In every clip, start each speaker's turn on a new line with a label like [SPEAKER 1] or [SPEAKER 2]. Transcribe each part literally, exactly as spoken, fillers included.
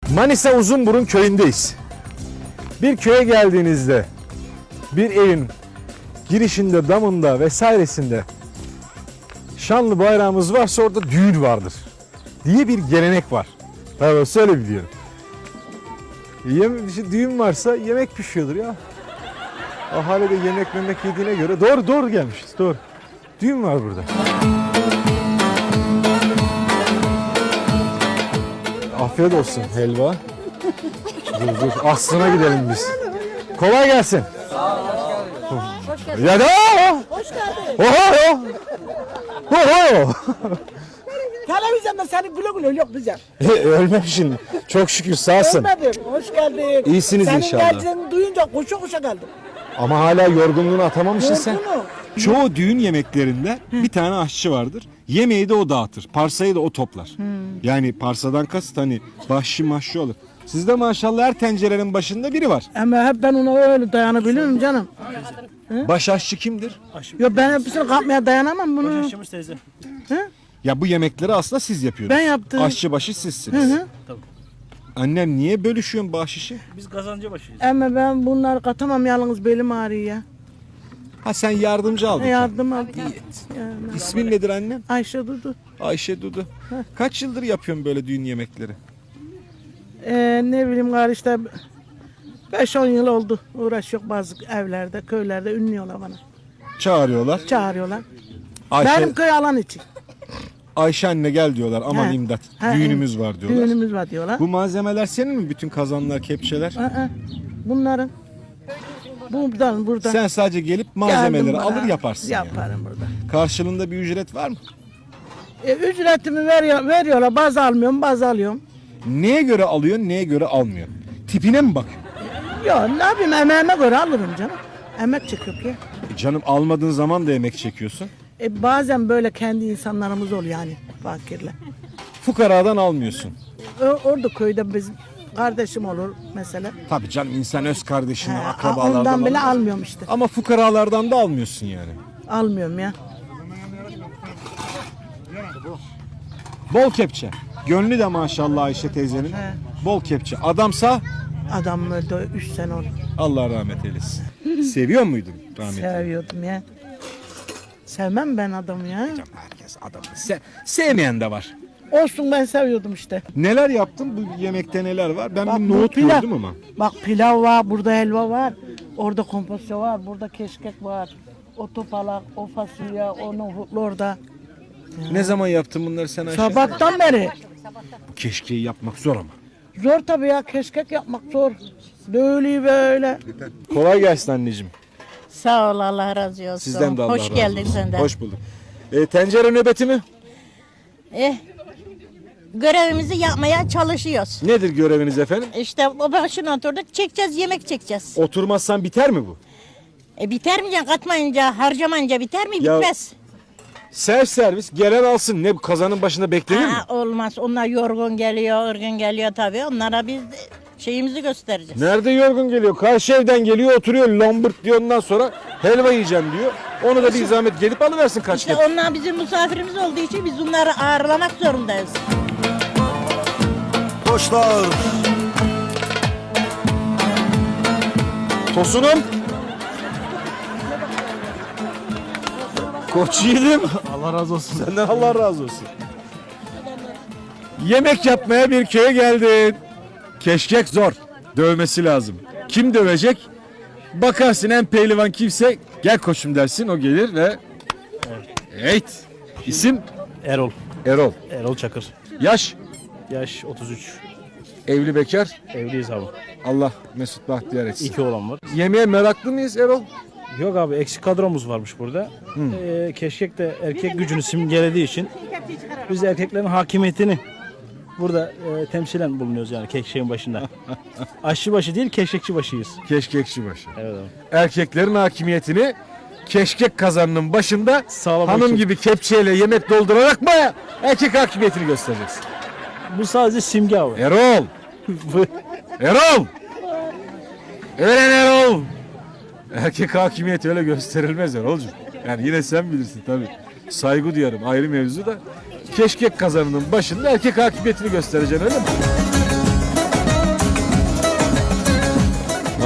[SPEAKER 1] Manisa Uzunburun köyündeyiz. Bir köye geldiğinizde bir evin girişinde, damında vesairesinde şanlı bayrağımız varsa orada düğün vardır diye bir gelenek var. Tabii öyle biliyorum. Yem, işte düğün varsa yemek pişiyordur ya. Ahali de yemek memek yediğine göre doğru doğru gelmişiz. Doğru. Düğün var burada. Afiyet olsun helva. Dur dur aslına gidelim biz. Kolay gelsin.
[SPEAKER 2] Hoş geldin.
[SPEAKER 1] Ya da.
[SPEAKER 2] Hoş geldin.
[SPEAKER 1] Oho. Oho.
[SPEAKER 2] Televizyonda seni güle güle yok bize.
[SPEAKER 1] Ölmemişsin. Çok şükür sağsın.
[SPEAKER 2] Ölmedim. Hoş geldin.
[SPEAKER 1] İyisiniz
[SPEAKER 2] Senin
[SPEAKER 1] inşallah.
[SPEAKER 2] Senin geldiğini duyunca koşa koşa geldim.
[SPEAKER 1] Ama hala yorgunluğunu atamamışsın sen.
[SPEAKER 2] Yorgunum.
[SPEAKER 3] Çoğu düğün yemeklerinde bir tane aşçı vardır. Yemeği de o dağıtır. Parsayı da o toplar. Yani parsadan kasıt hani bahşi mahşi olur. Sizde maşallah her tencerenin başında biri var.
[SPEAKER 2] Ama hep ben ona öyle dayanabilirim canım.
[SPEAKER 3] Baş aşçı kimdir?
[SPEAKER 2] Yok ben hepsini kapmaya dayanamam bunu.
[SPEAKER 4] Başaşçımız teyze.
[SPEAKER 3] Ya bu yemekleri aslında siz yapıyorsunuz.
[SPEAKER 2] Ben yaptım.
[SPEAKER 3] Aşçı başı sizsiniz.
[SPEAKER 2] Hı hı.
[SPEAKER 3] Annem niye bölüşüyorsun bahşişi?
[SPEAKER 4] Biz kazancı başıyız.
[SPEAKER 2] Ama ben bunları katamam yalnız belim ağrıyor ya.
[SPEAKER 3] Ha sen yardımcı aldın.
[SPEAKER 2] Yardım aldım. Ya,
[SPEAKER 3] İsmin nedir annem?
[SPEAKER 2] Ayşe Dudu.
[SPEAKER 3] Ayşe Dudu. Kaç yıldır yapıyorsun böyle düğün yemekleri?
[SPEAKER 2] Ee, ne bileyim gari işte beş on yıl oldu. Uğraşıyor bazı evlerde, köylerde ünlüyorlar bana.
[SPEAKER 3] Çağırıyorlar.
[SPEAKER 2] Çağırıyorlar.
[SPEAKER 3] Ayşe,
[SPEAKER 2] Benim köy alan için.
[SPEAKER 3] Ayşe anne gel diyorlar. Aman
[SPEAKER 2] He.
[SPEAKER 3] imdat.
[SPEAKER 2] He,
[SPEAKER 3] Düğünümüz var diyorlar.
[SPEAKER 2] Düğünümüz var diyorlar.
[SPEAKER 3] Bu malzemeler senin mi? Bütün kazanlar, kepçeler?
[SPEAKER 2] Aa, bunların. Buradan buradan.
[SPEAKER 3] Sen sadece gelip malzemeleri
[SPEAKER 2] Geldim
[SPEAKER 3] alır
[SPEAKER 2] bana.
[SPEAKER 3] yaparsın. yani.
[SPEAKER 2] Yaparım burada.
[SPEAKER 3] Karşılığında bir ücret var mı?
[SPEAKER 2] E, ücretimi veriyor, veriyorlar. Bazı almıyorum, bazı alıyorum.
[SPEAKER 3] Neye göre alıyorsun, neye göre almıyorsun? Tipine mi bakıyorsun?
[SPEAKER 2] Ya ne yapayım emeğime göre alırım canım. Emek çıkıyor ki.
[SPEAKER 3] E canım almadığın zaman da emek çekiyorsun.
[SPEAKER 2] E, bazen böyle kendi insanlarımız oluyor yani fakirle.
[SPEAKER 3] Fukaradan almıyorsun.
[SPEAKER 2] O, orada köyde bizim kardeşim olur mesela.
[SPEAKER 3] Tabii canım insan öz kardeşini,
[SPEAKER 2] He,
[SPEAKER 3] akrabalardan
[SPEAKER 2] ondan bile
[SPEAKER 3] alır.
[SPEAKER 2] almıyorum işte.
[SPEAKER 3] Ama fukaralardan da almıyorsun yani.
[SPEAKER 2] Almıyorum ya.
[SPEAKER 3] Bol kepçe. Gönlü de maşallah Ayşe teyzenin.
[SPEAKER 2] He.
[SPEAKER 3] Bol kepçe. Adamsa
[SPEAKER 2] Adam öldü üç sene oldu.
[SPEAKER 3] Allah rahmet eylesin. Seviyor muydun rahmetli?
[SPEAKER 2] Seviyordum ya. Sevmem ben adamı ya.
[SPEAKER 3] Herkes adamı. Se- sevmeyen de var.
[SPEAKER 2] Olsun ben seviyordum işte.
[SPEAKER 3] Neler yaptın? Bu yemekte neler var? Ben
[SPEAKER 2] Bak,
[SPEAKER 3] bir
[SPEAKER 2] bu
[SPEAKER 3] nohut
[SPEAKER 2] pilav.
[SPEAKER 3] gördüm ama.
[SPEAKER 2] Bak pilav var, burada helva var. Orada kompozisyon var, burada keşkek var. O topalak, o fasulye, o nohutlu orada.
[SPEAKER 3] Ne zaman yaptın bunları sen Ayşe?
[SPEAKER 2] Sabahtan beri.
[SPEAKER 3] Bu keşkeyi yapmak zor ama.
[SPEAKER 2] Zor tabii ya, keşkek yapmak zor. Böyle böyle.
[SPEAKER 3] Kolay gelsin anneciğim.
[SPEAKER 5] Sağ ol, Allah razı olsun.
[SPEAKER 3] Sizden de Allah
[SPEAKER 5] Hoş
[SPEAKER 3] razı
[SPEAKER 5] geldin
[SPEAKER 3] olsun.
[SPEAKER 5] sen de.
[SPEAKER 3] Hoş bulduk. E, tencere nöbeti mi?
[SPEAKER 5] Eh, görevimizi yapmaya çalışıyoruz.
[SPEAKER 3] Nedir göreviniz efendim?
[SPEAKER 5] İşte o başına oturduk, çekeceğiz, yemek çekeceğiz.
[SPEAKER 3] Oturmazsan biter mi bu?
[SPEAKER 5] E biter mi can? Katmayınca, harcamayınca biter mi?
[SPEAKER 3] Ya-
[SPEAKER 5] Bitmez.
[SPEAKER 3] Self servis gelen alsın. Ne bu kazanın başında beklenir mi?
[SPEAKER 5] Aa, olmaz. Onlar yorgun geliyor, ırgın geliyor tabii. Onlara biz de şeyimizi göstereceğiz.
[SPEAKER 3] Nerede yorgun geliyor? Karşı evden geliyor oturuyor lomburt diyor ondan sonra helva yiyeceğim diyor. Onu da bir zahmet gelip alıversin kaç
[SPEAKER 5] İşte
[SPEAKER 3] kere.
[SPEAKER 5] onlar bizim misafirimiz olduğu için biz onları ağırlamak zorundayız.
[SPEAKER 1] Koçlar. Tosunum. Koç yiğidim.
[SPEAKER 4] Allah razı olsun.
[SPEAKER 1] Senden Allah razı olsun. Yemek yapmaya bir köye geldin. Keşkek zor. Dövmesi lazım. Kim dövecek? Bakarsın en pehlivan kimse gel koçum dersin o gelir ve evet. İsim
[SPEAKER 4] Erol.
[SPEAKER 1] Erol.
[SPEAKER 4] Erol Çakır.
[SPEAKER 1] Yaş
[SPEAKER 4] Yaş otuz üç.
[SPEAKER 1] evli bekar.
[SPEAKER 4] Evliyiz abi.
[SPEAKER 1] Allah mesut bahtiyar etsin.
[SPEAKER 4] İki oğlan var.
[SPEAKER 1] Yemeğe meraklı mıyız Erol?
[SPEAKER 4] Yok abi eksik kadromuz varmış burada. Ee, keşkek de erkek gücünü simgelediği için biz erkeklerin hakimiyetini burada e, temsilen bulunuyoruz yani keşkeğin başında. Aşçı başı değil keşkekçi başıyız.
[SPEAKER 1] Keşkekçi başı.
[SPEAKER 4] Evet abi.
[SPEAKER 1] Erkeklerin hakimiyetini keşkek kazanının başında
[SPEAKER 4] Sağlamak
[SPEAKER 1] hanım
[SPEAKER 4] için.
[SPEAKER 1] gibi kepçeyle yemek doldurarak mı erkek hakimiyetini göstereceksin?
[SPEAKER 4] Bu sadece simge abi.
[SPEAKER 1] Erol!
[SPEAKER 4] Bu-
[SPEAKER 1] Erol! Öğren Erol! Erkek hakimiyeti öyle gösterilmez Erol'cum. Yani yine sen bilirsin tabii. Saygı duyarım ayrı mevzu da. Keşkek kazanının başında erkek hakimiyetini göstereceksin öyle mi?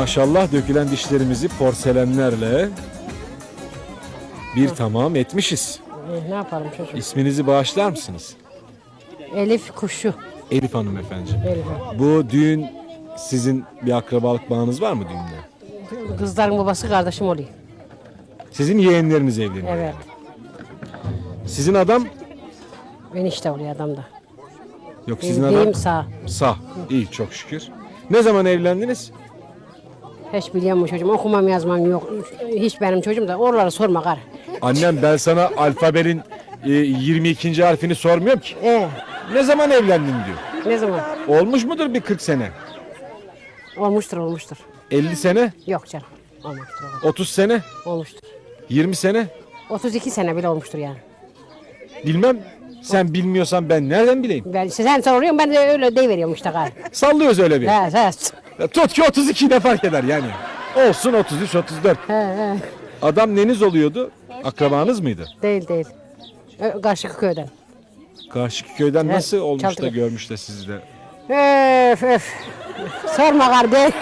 [SPEAKER 3] Maşallah dökülen dişlerimizi porselenlerle bir tamam etmişiz.
[SPEAKER 6] E, ne yapalım çocuğum?
[SPEAKER 3] İsminizi bağışlar mısınız?
[SPEAKER 6] Elif kuşu.
[SPEAKER 3] Elif Hanım efendi.
[SPEAKER 6] Elif.
[SPEAKER 3] Bu düğün sizin bir akrabalık bağınız var mı düğünde?
[SPEAKER 6] Kızların babası kardeşim oluyor.
[SPEAKER 3] Sizin yeğenleriniz evleniyor.
[SPEAKER 6] Evet.
[SPEAKER 3] Sizin adam?
[SPEAKER 6] Enişte oluyor adam da.
[SPEAKER 3] Yok sizin
[SPEAKER 6] Benim
[SPEAKER 3] adam?
[SPEAKER 6] deyim sağ.
[SPEAKER 3] Sağ. İyi çok şükür. Ne zaman evlendiniz?
[SPEAKER 6] Hiç biliyor mu çocuğum? Okumam yazmam yok. Hiç benim çocuğum da oraları sorma gar.
[SPEAKER 3] Annem ben sana alfabenin e, yirmi ikinci harfini sormuyorum ki.
[SPEAKER 6] E
[SPEAKER 3] Ne zaman evlendin diyor.
[SPEAKER 6] ne zaman?
[SPEAKER 3] Olmuş mudur bir kırk sene?
[SPEAKER 6] Olmuştur olmuştur.
[SPEAKER 3] elli sene?
[SPEAKER 6] Yok canım. Olmuştur.
[SPEAKER 3] otuz sene?
[SPEAKER 6] Olmuştur.
[SPEAKER 3] yirmi sene?
[SPEAKER 6] otuz iki sene bile olmuştur yani.
[SPEAKER 3] Bilmem. Sen bilmiyorsan ben nereden bileyim?
[SPEAKER 6] Ben sen soruyorsun ben de öyle deyiveriyorum işte gar.
[SPEAKER 3] Sallıyoruz öyle bir.
[SPEAKER 6] He he.
[SPEAKER 3] Ya tut ki otuz iki ne fark eder yani. Olsun otuz üç otuz dört.
[SPEAKER 6] He he.
[SPEAKER 3] Adam neniz oluyordu? Akrabanız mıydı?
[SPEAKER 6] Değil değil. Ö- Karşı köyden.
[SPEAKER 3] Karşıki köyden
[SPEAKER 6] Evet,
[SPEAKER 3] nasıl olmuş da
[SPEAKER 6] Çaltıkı.
[SPEAKER 3] görmüş de sizi de?
[SPEAKER 6] Öf öf. Sorma kardeş.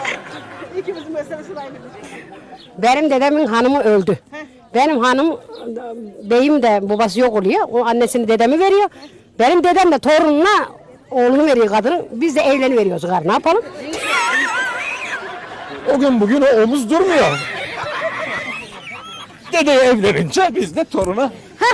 [SPEAKER 6] Benim dedemin hanımı öldü. Benim hanım, beyim de babası yok oluyor. O annesini dedemi veriyor. Benim dedem de torununa oğlunu veriyor kadını. Biz de evleniveriyoruz gar. Ne yapalım?
[SPEAKER 3] O gün bugün o omuz durmuyor. Dede evlenince biz de toruna.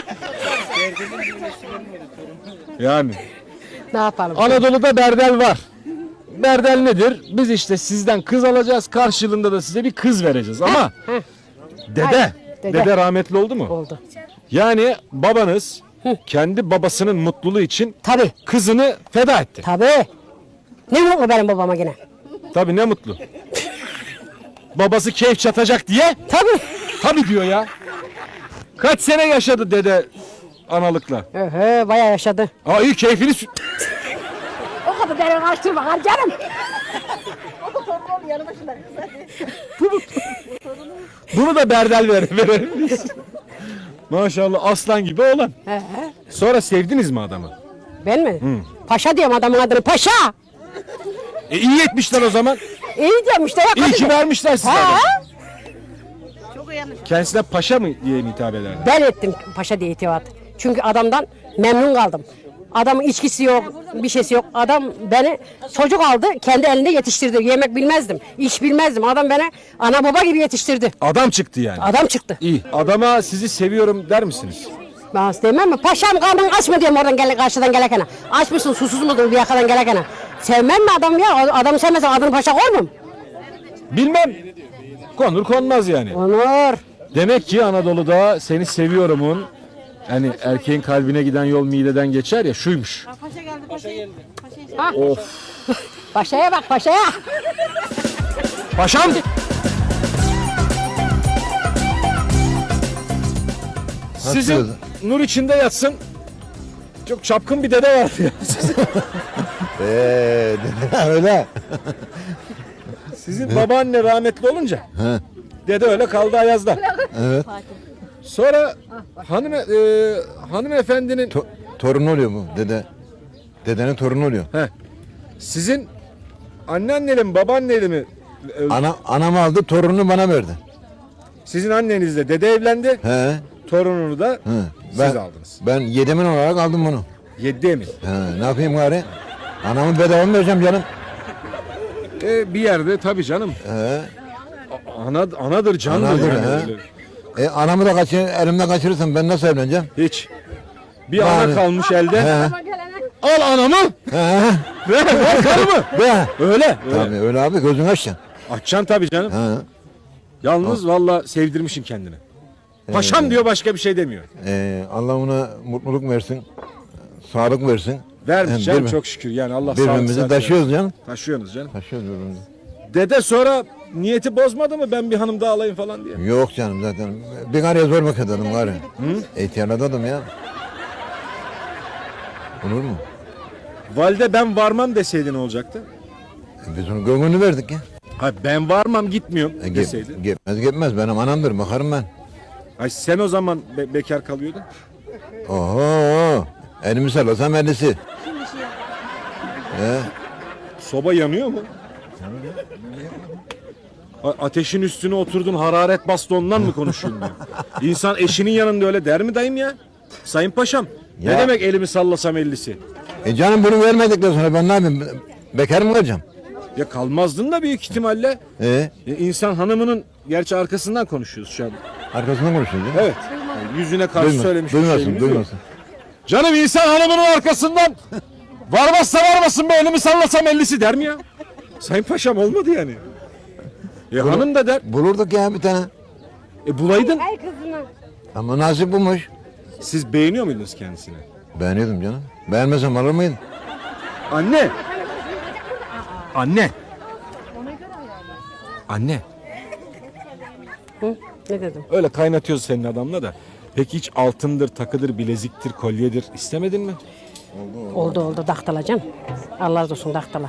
[SPEAKER 3] Yani
[SPEAKER 6] Ne yapalım?
[SPEAKER 3] Anadolu'da berdel var. Berdel nedir? Biz işte sizden kız alacağız, karşılığında da size bir kız vereceğiz ama
[SPEAKER 6] heh.
[SPEAKER 3] dede,
[SPEAKER 6] Hayır,
[SPEAKER 3] dede,
[SPEAKER 6] dede.
[SPEAKER 3] rahmetli oldu mu?
[SPEAKER 6] Oldu.
[SPEAKER 3] Yani babanız kendi babasının mutluluğu için
[SPEAKER 6] Tabii.
[SPEAKER 3] kızını feda etti.
[SPEAKER 6] Tabii. Ne mutlu benim babama yine.
[SPEAKER 3] Tabii ne mutlu. Babası keyif çatacak diye
[SPEAKER 6] Tabii.
[SPEAKER 3] tabii diyor ya. Kaç sene yaşadı dede analıkla?
[SPEAKER 6] Öhe, bayağı yaşadı.
[SPEAKER 3] Aa iyi keyfini sü-
[SPEAKER 6] O kadar beni kaçtırma kar canım.
[SPEAKER 3] Bunu da berdel ver, verelim biz. Maşallah aslan gibi oğlan.
[SPEAKER 6] He he.
[SPEAKER 3] Sonra sevdiniz mi adamı?
[SPEAKER 6] Ben mi? Paşa diyorum adamın adını. Paşa.
[SPEAKER 3] E iyi etmişler o zaman.
[SPEAKER 6] İyi diyorum işte. Ya,
[SPEAKER 3] İyi ki
[SPEAKER 6] kadın-
[SPEAKER 3] vermişler size.
[SPEAKER 6] Ha?
[SPEAKER 3] adamı. Kendisine paşa mı diye mi hitap ederler?
[SPEAKER 6] Ben ettim paşa diye itibat. Çünkü adamdan memnun kaldım. Adamın içkisi yok, bir şeysi yok. Adam beni çocuk aldı, kendi elinde yetiştirdi. Yemek bilmezdim, iş bilmezdim. Adam beni ana baba gibi yetiştirdi.
[SPEAKER 3] Adam çıktı yani.
[SPEAKER 6] Adam çıktı.
[SPEAKER 3] İyi. Adama sizi seviyorum der misiniz?
[SPEAKER 6] Ben demem mi? Paşam karnın aç mı diyorum oradan gel, karşıdan gelekene. Aç mısın, susuz musun bir yakadan gelekene. Sevmem mi adam ya? Adamı sevmezsen adını paşa koymam.
[SPEAKER 3] Bilmem. Konur konmaz yani.
[SPEAKER 6] Onur.
[SPEAKER 3] Demek ki Anadolu'da seni seviyorumun yani erkeğin kalbine giden yol mideden geçer ya şuymuş.
[SPEAKER 5] Paşa geldi, paşa geldi.
[SPEAKER 3] Of.
[SPEAKER 6] Paşaya bak paşaya.
[SPEAKER 3] Paşam. Sizin nur içinde yatsın. Çok çapkın bir dede vardı ya.
[SPEAKER 7] Eee öyle.
[SPEAKER 3] Sizin babaanne rahmetli olunca dede öyle kaldı Ayaz'da.
[SPEAKER 7] Evet.
[SPEAKER 3] Sonra hanım e, hanımefendinin
[SPEAKER 7] To- torun oluyor mu dede? Dedenin torunu oluyor.
[SPEAKER 3] he, sizin anneanneli mi babaanneli mi öldü?
[SPEAKER 7] Ana anam aldı torununu bana verdi.
[SPEAKER 3] Sizin annenizle dede evlendi.
[SPEAKER 7] He.
[SPEAKER 3] Torununu da
[SPEAKER 7] He.
[SPEAKER 3] siz
[SPEAKER 7] Ben,
[SPEAKER 3] aldınız.
[SPEAKER 7] ben yedemin olarak aldım bunu.
[SPEAKER 3] Yedi emin.
[SPEAKER 7] He. Ne yapayım gari? Anamı bedava mı vereceğim canım?
[SPEAKER 3] E, bir yerde tabii canım.
[SPEAKER 7] He.
[SPEAKER 3] Ana, anadır candır.
[SPEAKER 7] Anadır,
[SPEAKER 3] yani
[SPEAKER 7] he.
[SPEAKER 3] öyle.
[SPEAKER 7] E anamı da kaçır, elimden kaçırırsam ben nasıl evleneceğim?
[SPEAKER 3] Hiç. Bir
[SPEAKER 7] Yani-
[SPEAKER 3] ana kalmış elde.
[SPEAKER 7] He.
[SPEAKER 3] Al anamı.
[SPEAKER 7] He.
[SPEAKER 3] Ver, ver karımı.
[SPEAKER 7] Be.
[SPEAKER 3] Öyle. öyle.
[SPEAKER 7] Tabii öyle abi gözün açacaksın.
[SPEAKER 3] Açacaksın tabii canım.
[SPEAKER 7] He.
[SPEAKER 3] Yalnız valla sevdirmişsin kendini. Paşam diyor başka bir şey demiyor.
[SPEAKER 7] Ee, Allah ona mutluluk versin. Sağlık versin.
[SPEAKER 3] Vermiş
[SPEAKER 7] Hem
[SPEAKER 3] canım
[SPEAKER 7] birbi-
[SPEAKER 3] çok şükür yani Allah sağlık
[SPEAKER 7] Birbirimizi
[SPEAKER 3] sıhhat
[SPEAKER 7] taşıyoruz canım.
[SPEAKER 3] versin. Taşıyorsunuz canım.
[SPEAKER 7] Taşıyoruz birbirimizi.
[SPEAKER 3] Dede sonra niyeti bozmadı mı ben bir hanım daha alayım falan diye.
[SPEAKER 7] Yok canım zaten. Bir karıya zor bakıyor dedim gari. İhtiyarladım ya. Olur mu?
[SPEAKER 3] Valide ben varmam deseydi ne olacaktı?
[SPEAKER 7] E, biz onun gönlünü verdik ya.
[SPEAKER 3] Ha ben varmam gitmiyorum
[SPEAKER 7] E,
[SPEAKER 3] deseydi.
[SPEAKER 7] gep, gitmez gitmez benim anamdır bakarım ben.
[SPEAKER 3] Ay sen o zaman be- bekar kalıyordun.
[SPEAKER 7] Oho. Elimi sallasam ellisi. He,
[SPEAKER 3] Soba yanıyor mu? A- ateşin üstüne oturdun, hararet bastı, ondan mı konuşuyorsun diyor. İnsan eşinin yanında öyle der mi dayım ya? Sayın Paşam. Ne
[SPEAKER 7] Ya.
[SPEAKER 3] demek elimi sallasam ellisi?
[SPEAKER 7] E canım bunu vermedikten sonra ben ne yapayım? Bekar mı kalacağım?
[SPEAKER 3] Ya kalmazdın da büyük ihtimalle.
[SPEAKER 7] E
[SPEAKER 3] E, insan hanımının, gerçi arkasından konuşuyoruz şu an.
[SPEAKER 7] arkasından konuşuyoruz.
[SPEAKER 3] Evet. Yani yüzüne karşı
[SPEAKER 7] Duyma,
[SPEAKER 3] söylemiş bir
[SPEAKER 7] duymasın,
[SPEAKER 3] şeyimiz yok.
[SPEAKER 7] duymasın.
[SPEAKER 3] Canım insan hanımının arkasından varmazsa varmasın be, elimi sallasam ellisi der mi ya? Sayın Paşam olmadı yani. E hanım da der.
[SPEAKER 7] Bulurduk ya bir tane.
[SPEAKER 3] E bulaydın.
[SPEAKER 6] Ay kızına.
[SPEAKER 7] Ama nasip bulmuş.
[SPEAKER 3] Siz beğeniyor muydunuz kendisini?
[SPEAKER 7] Beğeniyordum canım. Beğenmesem alır mıydın?
[SPEAKER 3] Anne. Anne. Anne.
[SPEAKER 6] Hı? Ne dedim?
[SPEAKER 3] Öyle kaynatıyoruz senin adamla da. Peki hiç altındır, takıdır, bileziktir, kolyedir istemedin mi?
[SPEAKER 6] Oldu oldu daktalacağım. Allah razı olsun daktala.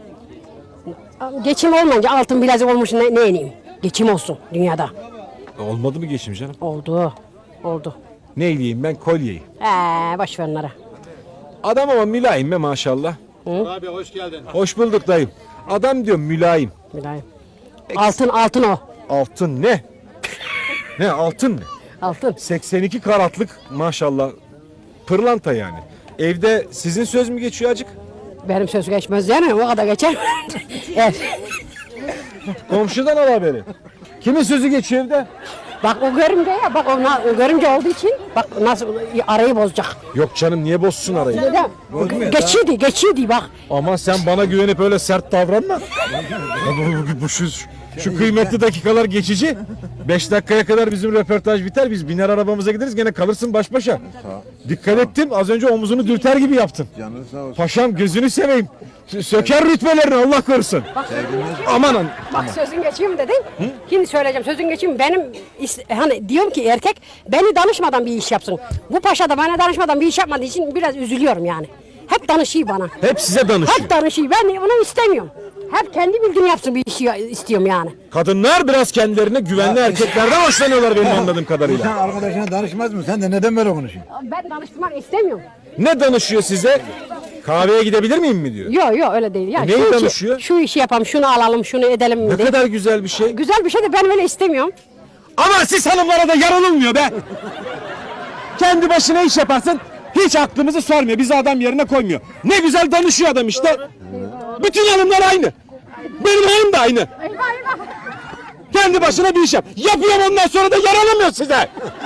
[SPEAKER 6] Geçim olmayınca altın bilezik olmuş ne, ne ineyim? Geçim olsun dünyada.
[SPEAKER 3] E, olmadı mı geçim canım?
[SPEAKER 6] Oldu. Oldu.
[SPEAKER 3] Ne ileyim ben, kolyeyi.
[SPEAKER 6] Ee, boş ver onlara.
[SPEAKER 3] Adam ama mülayim be maşallah.
[SPEAKER 8] Abi hoş geldin.
[SPEAKER 3] Hoş bulduk dayım. Adam diyor mülayim.
[SPEAKER 6] Mülayim. Altın altın o.
[SPEAKER 3] Altın ne? Ne altın ne?
[SPEAKER 6] Altın.
[SPEAKER 3] seksen iki karatlık maşallah pırlanta yani. Evde sizin söz mü geçiyor acık?
[SPEAKER 6] Benim söz geçmez yani o kadar geçer. Evet.
[SPEAKER 3] Komşudan al haberi. Kimin sözü geçiyor evde?
[SPEAKER 6] Bak o görümce ya bak o, na- o görümce olduğu için bak nasıl arayı bozacak.
[SPEAKER 3] Yok canım, niye bozsun arayı?
[SPEAKER 6] Neden? Geçiydi geçiydi bak.
[SPEAKER 3] Aman sen bana güvenip öyle sert davranma. Ya bu, bu, bu şu, şu kıymetli dakikalar geçici. Beş dakikaya kadar bizim röportaj biter. Biz biner arabamıza gideriz, gene kalırsın baş başa. Dikkat ettim, az önce omuzunu dürter gibi yaptın.
[SPEAKER 7] Canın sağ olsun.
[SPEAKER 3] Paşam gözünü seveyim. Sö- Söker rütbelerini, Allah korusun. Aman an.
[SPEAKER 6] Bak sözün geçeyim dedin. Şimdi söyleyeceğim sözün geçeyim. Benim is- hani diyorum ki erkek beni danışmadan bir iş yapsın. Bu paşa da bana danışmadan bir iş yapmadığı için biraz üzülüyorum yani. Hep danışıyor bana.
[SPEAKER 3] Hep size danışıyor.
[SPEAKER 6] Hep danışıyor. Ben onu istemiyorum. Hep kendi bildiğini yapsın bir işi istiyorum yani.
[SPEAKER 3] Kadınlar biraz kendilerine güvenli erkeklerden hoşlanıyorlar benim anladığım
[SPEAKER 7] Sen
[SPEAKER 3] kadarıyla.
[SPEAKER 7] arkadaşına danışmaz mı? Sen de neden böyle konuşuyorsun?
[SPEAKER 6] Ben danışmak istemiyorum.
[SPEAKER 3] Ne danışıyor size? Kahveye gidebilir miyim mi diyor.
[SPEAKER 6] Yok yok öyle değil. Ya,
[SPEAKER 3] E, neyi
[SPEAKER 6] şu işi-
[SPEAKER 3] danışıyor?
[SPEAKER 6] Şu işi yapalım, şunu alalım, şunu edelim.
[SPEAKER 3] Ne
[SPEAKER 6] diye.
[SPEAKER 3] kadar güzel bir şey.
[SPEAKER 6] Güzel bir şey de ben öyle istemiyorum.
[SPEAKER 3] Ama siz hanımlara da yaranılmıyor be. Kendi başına iş yaparsın, hiç aklımızı sormuyor. Bizi adam yerine koymuyor. Ne güzel danışıyor adam işte. Bütün hanımlar aynı. Benim hanım da aynı. Kendi başına bir iş yap. Yapıyorum, ondan sonra da yaranamıyor size.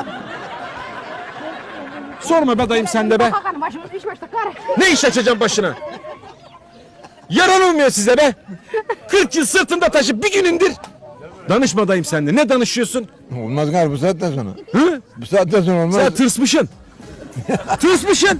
[SPEAKER 3] Sorma be dayım sen de be.
[SPEAKER 6] Bakalım başımız iş başta kar.
[SPEAKER 3] Ne iş açacağım başına? Yaranılmıyor size be. kırk yıl sırtında taşı bir gün indir. Danışma dayım sen de. Ne danışıyorsun?
[SPEAKER 7] Olmaz galiba bu saatten sonra.
[SPEAKER 3] Hı?
[SPEAKER 7] Bu saatten sonra olmaz.
[SPEAKER 3] Sen tırsmışsın. Tırsmışsın.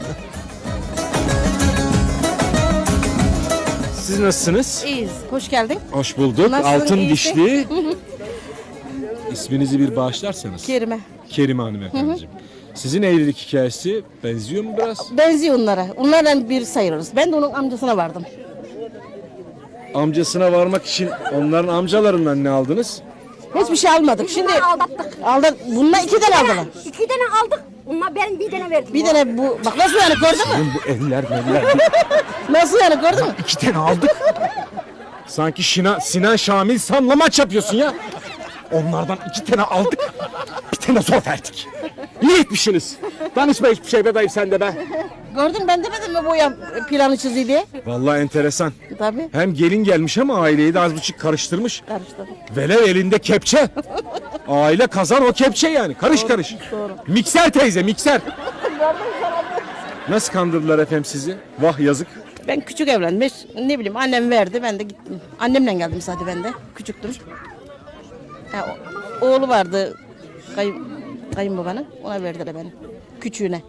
[SPEAKER 3] Siz nasılsınız?
[SPEAKER 5] İyiyiz. Hoş geldin.
[SPEAKER 3] Hoş bulduk.
[SPEAKER 5] Nasılsın,
[SPEAKER 3] Altın
[SPEAKER 5] iyisin?
[SPEAKER 3] dişli. İsminizi bir bağışlarsanız.
[SPEAKER 5] Kerime.
[SPEAKER 3] Kerime hanımefendiciğim. Sizin evlilik hikayesi benziyor mu biraz?
[SPEAKER 5] Benziyor onlara. Onlardan bir sayılırız. Ben de onun amcasına vardım.
[SPEAKER 3] Amcasına varmak için onların amcalarından ne aldınız?
[SPEAKER 5] Hiçbir şey almadık. Şimdi
[SPEAKER 6] aldattık.
[SPEAKER 5] aldı. Bunlar iki tane aldılar.
[SPEAKER 6] İki tane aldık. Onlar ben bir tane verdim.
[SPEAKER 5] Bir tane bu. Bak nasıl yani, gördün mü?
[SPEAKER 3] Bu eller eller.
[SPEAKER 5] Nasıl yani, gördün mü?
[SPEAKER 3] İki tane aldık. Sanki Şina, Sinan Şamil San'la maç yapıyorsun ya. Onlardan iki tane aldık. Bir tane zor verdik. İyi etmişsiniz. Danışma hiçbir şey be dayı sen de be.
[SPEAKER 5] Gördün mü, ben demedim mi bu ya planı çiziyor diye?
[SPEAKER 3] Vallahi enteresan.
[SPEAKER 5] Tabii.
[SPEAKER 3] Hem gelin gelmiş ama aileyi de az buçuk karıştırmış.
[SPEAKER 5] Karıştı.
[SPEAKER 3] Velev elinde kepçe. Aile kazan o kepçe yani. Karış karış. Mikser teyze mikser. Nasıl kandırdılar efendim sizi? Vah yazık.
[SPEAKER 5] Ben küçük evlenmiş. Ne bileyim, annem verdi, ben de gittim. Annemle geldim zaten ben de. Küçüktüm. Ha, o- oğlu vardı. Kayın, kayınbabanın. Ona verdiler beni. Küçüğüne.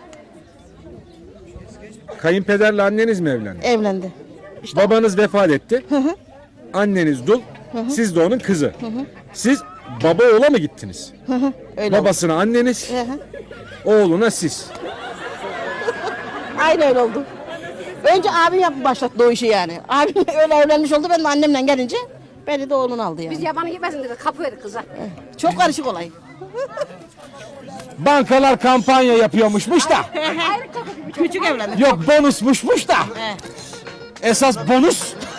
[SPEAKER 3] Kayınpederle anneniz mi evlendi?
[SPEAKER 5] Evlendi.
[SPEAKER 3] Babanız vefat etti. Anneniz dul. Siz de onun kızı. Siz baba oğula mı gittiniz?
[SPEAKER 5] Öyle oldu.
[SPEAKER 3] Babasına anneniz,
[SPEAKER 5] Hı hı.
[SPEAKER 3] oğluna siz.
[SPEAKER 5] Aynı öyle oldu. Önce abim yapıp başlattı o işi yani. Abim öyle evlenmiş oldu. Ben de annemle gelince beni de oğlunu aldı yani.
[SPEAKER 6] Biz yabanı gitmesin dedi. Kapı verdik kıza.
[SPEAKER 5] Çok karışık olay.
[SPEAKER 3] Bankalar kampanya yapıyormuşmuş da.
[SPEAKER 5] Küçük evlendik.
[SPEAKER 3] Yok bonusmuşmuş da. Esas bonus